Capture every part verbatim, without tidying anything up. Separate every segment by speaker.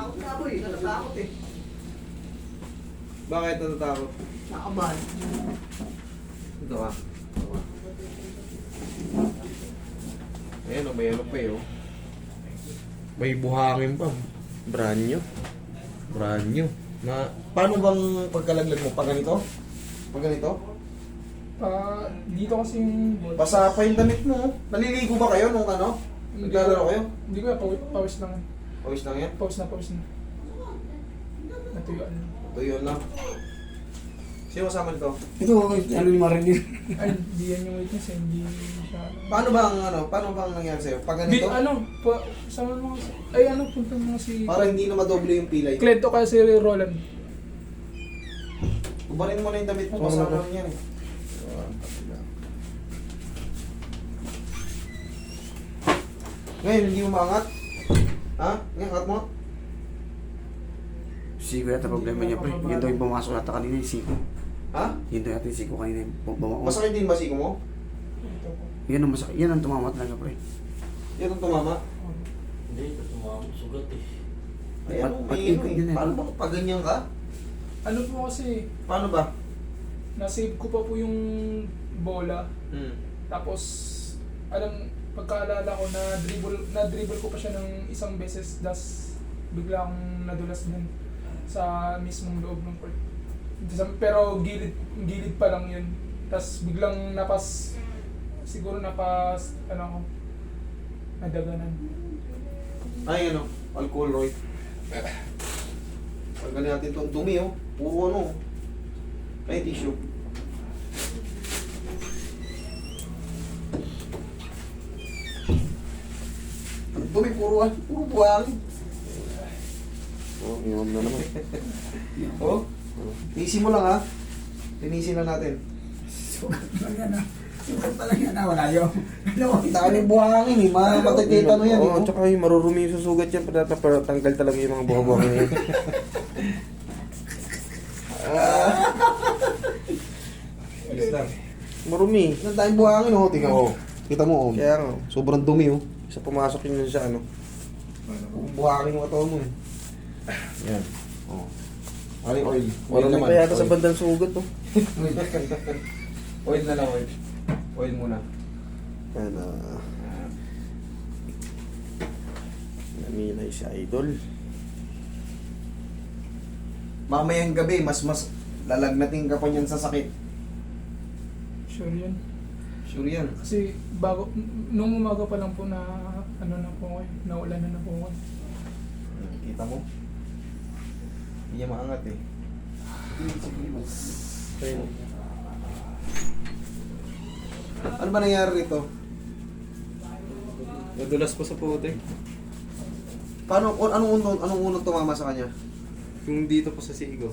Speaker 1: Natatakot na ako eh. Natatakot eh.
Speaker 2: Bakit natatakot?
Speaker 1: Nakabahan.
Speaker 2: Ito ka. Ito ka. Ayan o, may ano pa eh oh. May buhangin pa. Brand new. Brand new. Na, paano bang pagkalaglag mo? Pag ganito? Pag ganito?
Speaker 3: Pa, dito kasi yung...
Speaker 2: Basa pa yung damit mo. Naliligo ba kayo nung ano? Naglalaro kayo?
Speaker 3: Hindi ko yan, pawis, pawis lang.
Speaker 2: Pawis lang yan?
Speaker 3: Pawis na, pawis na. Natuyuan.
Speaker 2: Ito yun lang. Sino kasama nito?
Speaker 4: Ito, ano ni Marilyn?
Speaker 3: Ay, hindi yan yung witness eh, hindi siya...
Speaker 2: Paano ba ang ano? Paano ba ang nangyari sa'yo? Pag
Speaker 3: Di,
Speaker 2: ganito?
Speaker 3: ano, pa, sama mo kasi... Ay, ano, punta mo si...
Speaker 2: Para hindi na madoble yung pilay.
Speaker 3: Klento kaya si Roland.
Speaker 2: Ubarin mo na yung damit mo.
Speaker 4: Oo,
Speaker 2: Kasama
Speaker 4: oo.
Speaker 2: rin yan eh. Ngayon, hindi umangat. Ha? Ngayon, angat mo.
Speaker 4: Siko yata problema niya, pre. Yun daw yung pumasok nata kanina, yung siko.
Speaker 2: Ha?
Speaker 4: Yun daw yata yung siko kanina, yung bumakot.
Speaker 2: Masakit din ba siko mo?
Speaker 3: Ito po.
Speaker 4: Yan ang masakit. Yan ang tumama talaga, pre.
Speaker 2: Yan ang tumama.
Speaker 5: Hindi, ito tumawag. Sugat eh.
Speaker 2: Ay,
Speaker 4: Ba't-
Speaker 2: ano,
Speaker 4: ba't
Speaker 2: may
Speaker 4: yun-
Speaker 2: ano eh.
Speaker 4: yun eh?
Speaker 2: Paano ba pag ganyan ka?
Speaker 3: Ano po kasi,
Speaker 2: Paano ba?
Speaker 3: nasave ko pa po yung bola.
Speaker 2: Hmm.
Speaker 3: Tapos, alam, pagkaalala ko, na dribble, na dribble ko pa siya ng isang beses, das bigla akong nadulas din sa mismong loob ng court. Sa- Pero gilid, gilid pa lang yun. Tapos biglang napas, siguro napas, ano ako, nadaganan.
Speaker 2: Ay, ano, alcohol, Roy. Pagkalin natin itong dumi, oh. Puro ano. Ay, tissue. Ang dumi, puro, ah, puro buhangin.
Speaker 4: Oo, inom na naman.
Speaker 2: Oh, tinisin mo lang, ha. Tinisin lang natin.
Speaker 4: Sugat talaga na. Sugat talaga na, wala yun.
Speaker 2: Dami buhangin, eh. Matagkita no yan, eh.
Speaker 4: Oo,
Speaker 2: oh.
Speaker 4: tsaka yung marurumi yung susugat yan, para, para tanggal talaga yung mga buha-buha na yun.
Speaker 2: Ayos lang.
Speaker 4: Marumi.
Speaker 2: Ang daming buhangin, oh. Tingnan mo. Kita mo, oh.
Speaker 4: Kaya nga,
Speaker 2: Sobrang dumi, oh.
Speaker 4: isa pumasok yun sa ano.
Speaker 2: Buhangin yung katawan mo, eh. Yan. Oh. Ano yung oil? Oil
Speaker 4: Marumi
Speaker 2: naman.
Speaker 4: pa yata sa
Speaker 2: Oil.
Speaker 4: bandang sugat, oh.
Speaker 2: Oil. Oil na lang, oil. Oil muna.
Speaker 4: Yan, ah. Namilay si Idol.
Speaker 2: Mamayang gabi, mas mas lalagnating ka pa niyan sa sakit.
Speaker 3: Sure yun.
Speaker 2: Sure yan.
Speaker 3: Kasi bago, n- nung umaga pa lang po na, ano na po ngayon, naulan na na po ngayon.
Speaker 2: Kita mo? Hindi niya maangat eh.
Speaker 4: Ayun.
Speaker 2: Ano ba nangyari rito?
Speaker 4: Nadulas pa sa puti.
Speaker 2: Paano, kung anong unang, anong unang tumama sa kanya?
Speaker 4: Yung dito pa sa sigo.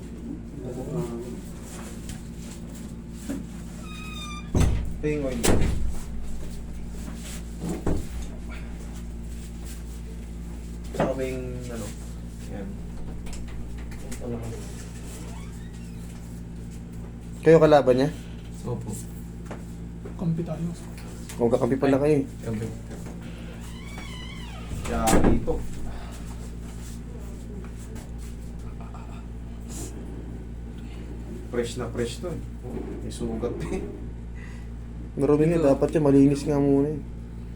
Speaker 2: Ito yung oil. Saka ba yung ano? Yan.
Speaker 4: Kayo kalaban niya?
Speaker 2: Opo.
Speaker 3: Kampi tayo.
Speaker 4: Kung kakampi pala kayo eh.
Speaker 2: Kaya dito. Fresh na fresh to eh. Oh, may sugat eh.
Speaker 4: Marumi nga, dapat yan, malinis nga muna eh.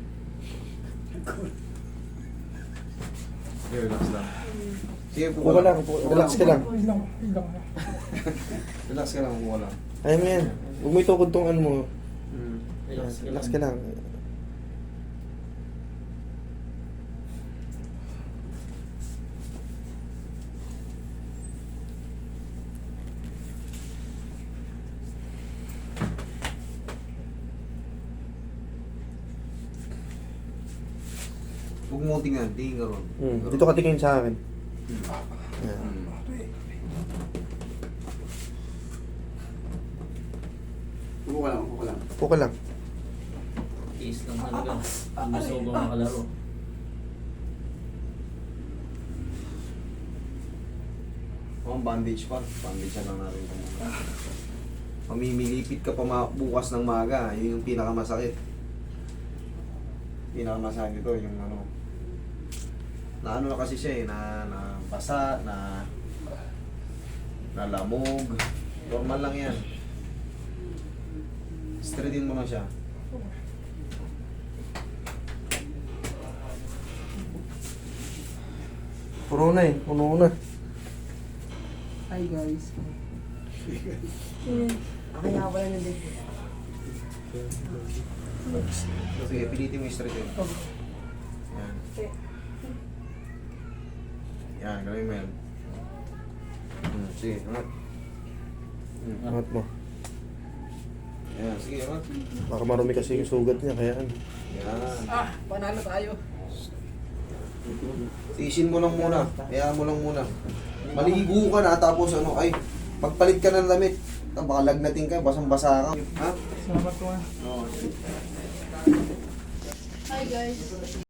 Speaker 2: Okay, relax lang. Sige,
Speaker 4: Upo ka lang, upo- relax ka lang.
Speaker 3: Wait lang, wait lang.
Speaker 2: Relax ka lang, upo ka lang.
Speaker 4: Ayaw mo yan. Huwag mo itukod tong ano mo.
Speaker 2: Hmm.
Speaker 5: Relax ka
Speaker 4: Relax
Speaker 5: lang.
Speaker 4: ka lang.
Speaker 2: Huwag mo tingnan, tingin ka ron.
Speaker 4: Hmm. Dito ka tingin sa akin. Yan.
Speaker 2: Hmm.
Speaker 4: Upo ka lang, upo ka lang.
Speaker 2: Upo ka lang.
Speaker 5: Tiis lang talaga. Ang gusto ko bang makalaro.
Speaker 2: Oh, bandage pa. Bandage lang natin ito muna. Mamimilipit ka pa ma- bukas ng maga. Yun yung pinakamasakit. Pinakamasakit ito, yung ano. Na ano na kasi siya eh, na, na basa, na nalamog. Normal lang yan. Straightin mo lang siya.
Speaker 4: Puno na eh, puno na.
Speaker 3: Hi guys.
Speaker 1: Ako nga pala na din.
Speaker 2: Sige, pilitin mo yung straight yun. Yan. Yan, gawin mo yan. Hmm, sige, angat. Hmm,
Speaker 4: Angat mo.
Speaker 2: yan, sige, angat.
Speaker 4: Baka marumi kasi yung sugat niya, kaya ano.
Speaker 2: Yan.
Speaker 3: Ah, panalo tayo.
Speaker 2: Tiisin mo lang muna. Hayaan mo lang muna. Maligo ka na tapos ano, ay, pagpalit ka ng damit. Baka lagnatin ka, basang-basa ka. Ha?
Speaker 3: Salamat ko nga.
Speaker 2: Oo.
Speaker 1: Hi guys.